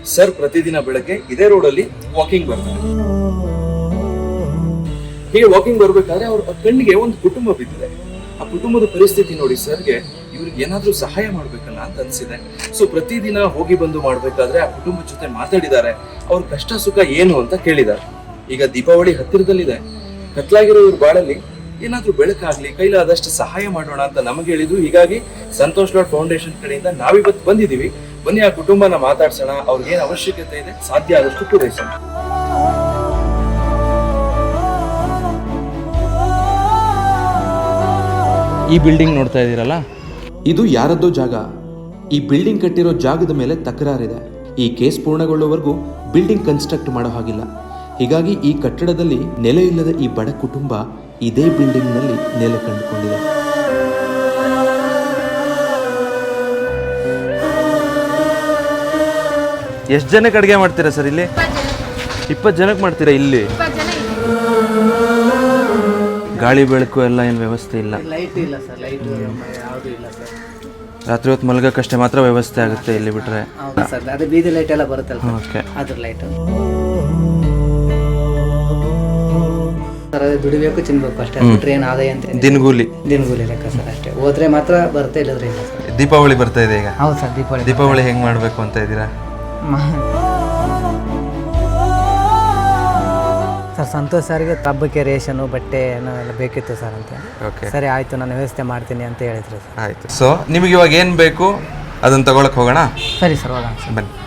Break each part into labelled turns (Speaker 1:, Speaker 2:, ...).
Speaker 1: Sir ಪ್ರತಿದಿನ ಬೆಳಗ್ಗೆ ಇದೇ ರೋಡಲ್ಲಿ ವಾಕಿಂಗ್ ಬರ್ತಾರೆ. ಹೀಗೆ ವಾಕಿಂಗ್ ಬರ್ಬೇಕಾದ್ರೆ ಅವ್ರ ಕಣ್ಣಿಗೆ ಒಂದು ಕುಟುಂಬ ಬಿದ್ದಿದೆ. ಆ ಕುಟುಂಬದ ಪರಿಸ್ಥಿತಿ ನೋಡಿ ಸರ್ಗೆ ಇವ್ರಿಗೆ ಏನಾದ್ರೂ ಸಹಾಯ ಮಾಡ್ಬೇಕಲ್ಲ ಅಂತ ಅನ್ಸಿದೆ. ಸೊ ಪ್ರತಿದಿನ ಹೋಗಿ ಬಂದು ಮಾಡ್ಬೇಕಾದ್ರೆ ಆ ಕುಟುಂಬದ ಜೊತೆ ಮಾತಾಡಿದ್ದಾರೆ, ಅವ್ರ ಕಷ್ಟ ಸುಖ ಏನು ಅಂತ ಕೇಳಿದ್ದಾರೆ. ಈಗ ದೀಪಾವಳಿ ಹತ್ತಿರದಲ್ಲಿದೆ, ಕತ್ಲಾಗಿರೋ ಇವ್ರ ಬಾಳಲ್ಲಿ ಏನಾದ್ರೂ ಬೆಳಕಾಗ್ಲಿ, ಕೈಲಾದಷ್ಟು ಸಹಾಯ ಮಾಡೋಣ ಅಂತ ನಮಗೆ ಹೇಳಿದ್ರು. ಹೀಗಾಗಿ ಸಂತೋಷ್ ಲಾಡ್ ಫೌಂಡೇಶನ್ ಕಡೆಯಿಂದ ನಾವಿವತ್ತು ಬಂದಿದ್ದೀವಿ. ಬನ್ನಿ ಆ ಕುಟುಂಬನ ಮಾತಾಡ್ಸೋಣ, ಅವ್ರಿಗೆ ಏನ್ ಅವಶ್ಯಕತೆ ಇದೆ ಸಾಧ್ಯ ಆದಷ್ಟು ಪೂರೈಸೋಣ.
Speaker 2: ಈ ಬಿಲ್ಡಿಂಗ್ ನೋಡ್ತಾ ಇದ್ದೀರಲ್ಲ,
Speaker 3: ಇದು ಯಾರದ್ದೋ ಜಾಗ. ಈ ಬಿಲ್ಡಿಂಗ್ ಕಟ್ಟಿರೋ ಜಾಗದ ಮೇಲೆ ತಕರಾರಿದೆ. ಈ ಕೇಸ್ ಪೂರ್ಣಗೊಳ್ಳುವವರೆಗೂ ಬಿಲ್ಡಿಂಗ್ ಕನ್ಸ್ಟ್ರಕ್ಟ್ ಮಾಡೋ ಹಾಗಿಲ್ಲ. ಹೀಗಾಗಿ ಈ ಕಟ್ಟಡದಲ್ಲಿ ನೆಲೆ ಇಲ್ಲದ ಈ ಬಡ ಕುಟುಂಬ ಇದೇ ಬಿಲ್ಡಿಂಗ್ನಲ್ಲಿ ನೆಲೆ ಕಂಡುಕೊಂಡಿದೆ.
Speaker 2: ಎಷ್ಟು ಜನಕ್ಕೆ ಅಡುಗೆ ಮಾಡ್ತೀರಾ ಸರ್ ಇಲ್ಲಿ? 20 ಜನಕ್ಕೆ ಮಾಡ್ತೀರಾ ಇಲ್ಲಿ? ಗಾಳಿ ಬೆಳಕು ಎಲ್ಲ ಏನು ವ್ಯವಸ್ಥೆ ಇಲ್ಲ?
Speaker 4: ಲೈಟ್ ಇಲ್ಲ ಸರ್, ಲೈಟ್ ಯಾವುದು ಇಲ್ಲ ಸರ್.
Speaker 2: ರಾತ್ರಿ ಹೊತ್ತು ಮಲಗಕ್ಕಷ್ಟೇ ಮಾತ್ರ ವ್ಯವಸ್ಥೆ ಆಗುತ್ತೆ ಇಲ್ಲಿ ಬಿಟ್ರೆ?
Speaker 4: ಹೌದು ಸರ್, ಅದೇ ಬೀದಿ ಲೈಟ್ ಎಲ್ಲ ಬರುತ್ತಲ್ಲ
Speaker 2: ಓಕೆ,
Speaker 4: ಅದ್ರ ಲೈಟ್ ಸರ್. ಅದೇ ದುಡಿಬೇಕು ತಿನ್ಬೇಕು ಅಷ್ಟೇ, ಬಿಟ್ರೆ ಏನು ಆದಾಯ ಅಂತ
Speaker 2: ದಿನಗೂಲಿ
Speaker 4: ಲೆಕ್ಕ ಸರ್ ಅಷ್ಟೇ. ಹೋದ್ರೆ ಮಾತ್ರ ಬರುತ್ತೆ, ಇಲ್ಲದ್ರೆ ಇಲ್ಲ ಸರ್.
Speaker 2: ದೀಪಾವಳಿ ಬರ್ತಾ ಇದೆ ಈಗ.
Speaker 4: ಹೌದು ಸರ್,
Speaker 2: ದೀಪಾವಳಿ ಹೆಂಗ್ ಮಾಡ್ಬೇಕು ಅಂತ ಇದ್ದೀರಾ
Speaker 4: ಸರ್? ಸಂತೋಷ್ ಸರ್ಗೆ ಹಬ್ಬಕ್ಕೆ ರೇಷನು ಬಟ್ಟೆ ಎಲ್ಲ ಬೇಕಿತ್ತು ಸರ್ ಅಂತ.
Speaker 2: ಓಕೆ,
Speaker 4: ಸರಿ ಆಯಿತು, ನಾನು ವ್ಯವಸ್ಥೆ ಮಾಡ್ತೀನಿ ಅಂತ ಹೇಳಿದ್ರು ಸರ್.
Speaker 2: ಆಯ್ತು. ಸೊ ನಿಮಗೆ ಇವಾಗ ಏನು ಬೇಕು ಅದನ್ನ ತಗೊಳಕ್ ಹೋಗೋಣ?
Speaker 4: ಸರಿ ಸರ್, ಹೋಗೋಣ ಸರ್,
Speaker 2: ಬನ್ನಿ.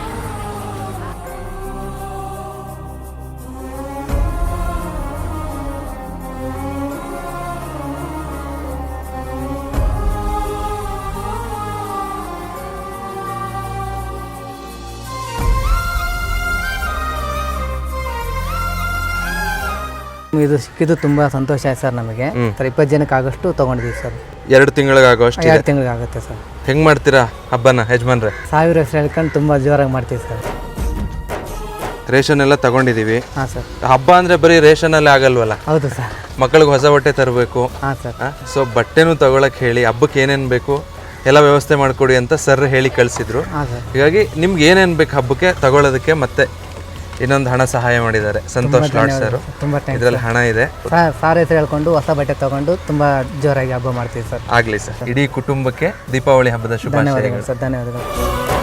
Speaker 4: ಇದು ಸಿಕ್ಕಿದ್ದು ತುಂಬ ಸಂತೋಷ ಆಯ್ತು ಸರ್ ನಮಗೆ. ಸರ್ 20 ಜನಕ್ಕೆ ಆಗೋಷ್ಟು ತೊಗೊಂಡಿದ್ದೀವಿ ಸರ್.
Speaker 2: 2 ತಿಂಗಳಿಗಾಗೋಷ್ಟು?
Speaker 4: 2 ತಿಂಗಳಿಗೆ ಆಗುತ್ತೆ ಸರ್.
Speaker 2: ಹೆಂಗ್ ಮಾಡ್ತೀರಾ ಹಬ್ಬನ ಯಜಮಾನ್ರೆ?
Speaker 4: 1000 ಹೆಸರು ಹೇಳ್ಕೊಂಡು ತುಂಬ ಜೋರಾಗಿ ಮಾಡ್ತೀವಿ ಸರ್.
Speaker 2: ರೇಷನ್ ಎಲ್ಲ ತಗೊಂಡಿದೀವಿ.
Speaker 4: ಹಾಂ ಸರ್.
Speaker 2: ಹಬ್ಬ ಅಂದ್ರೆ ಬರೀ ರೇಷನ್ ಅಲ್ಲೇ ಆಗಲ್ವಲ್ಲ,
Speaker 4: ಹೌದು ಸರ್.
Speaker 2: ಮಕ್ಕಳಿಗೆ ಹೊಸ ಬಟ್ಟೆ ತರಬೇಕು.
Speaker 4: ಹಾಂ ಸರ್.
Speaker 2: ಸೊ ಬಟ್ಟೆನೂ ತಗೊಳಕ್ ಹೇಳಿ ಹಬ್ಬಕ್ಕೆ ಏನೇನು ಬೇಕು ಎಲ್ಲ ವ್ಯವಸ್ಥೆ ಮಾಡಿಕೊಡಿ ಅಂತ ಸರ್ ಹೇಳಿ ಕಳಿಸಿದ್ರು.
Speaker 4: ಹಾಂ ಸರ್.
Speaker 2: ಹೀಗಾಗಿ ನಿಮ್ಗೆ ಏನೇನು ಬೇಕು ಹಬ್ಬಕ್ಕೆ ತಗೊಳ್ಳೋದಕ್ಕೆ ಮತ್ತೆ ಇನ್ನೊಂದು ಹಣ ಸಹಾಯ ಮಾಡಿದ್ದಾರೆ ಸಂತೋಷ್ ಲಾಡ್ ಸರ್.
Speaker 4: ತುಂಬ
Speaker 2: ಇದರಲ್ಲಿ ಹಣ ಇದೆ.
Speaker 4: ಸಾರ್ ಹೆಸರು ಹೇಳ್ಕೊಂಡು ಹೊಸ ಬಟ್ಟೆ ತಗೊಂಡು ತುಂಬ ಜೋರಾಗಿ ಹಬ್ಬ ಮಾಡ್ತೀವಿ ಸರ್.
Speaker 2: ಆಗಲಿ ಸರ್. ಇಡೀ ಕುಟುಂಬಕ್ಕೆ ದೀಪಾವಳಿ ಹಬ್ಬದ ಶುಭಾಶಯಗಳು.
Speaker 4: ಧನ್ಯವಾದಗಳು ಸರ್, ಧನ್ಯವಾದಗಳು.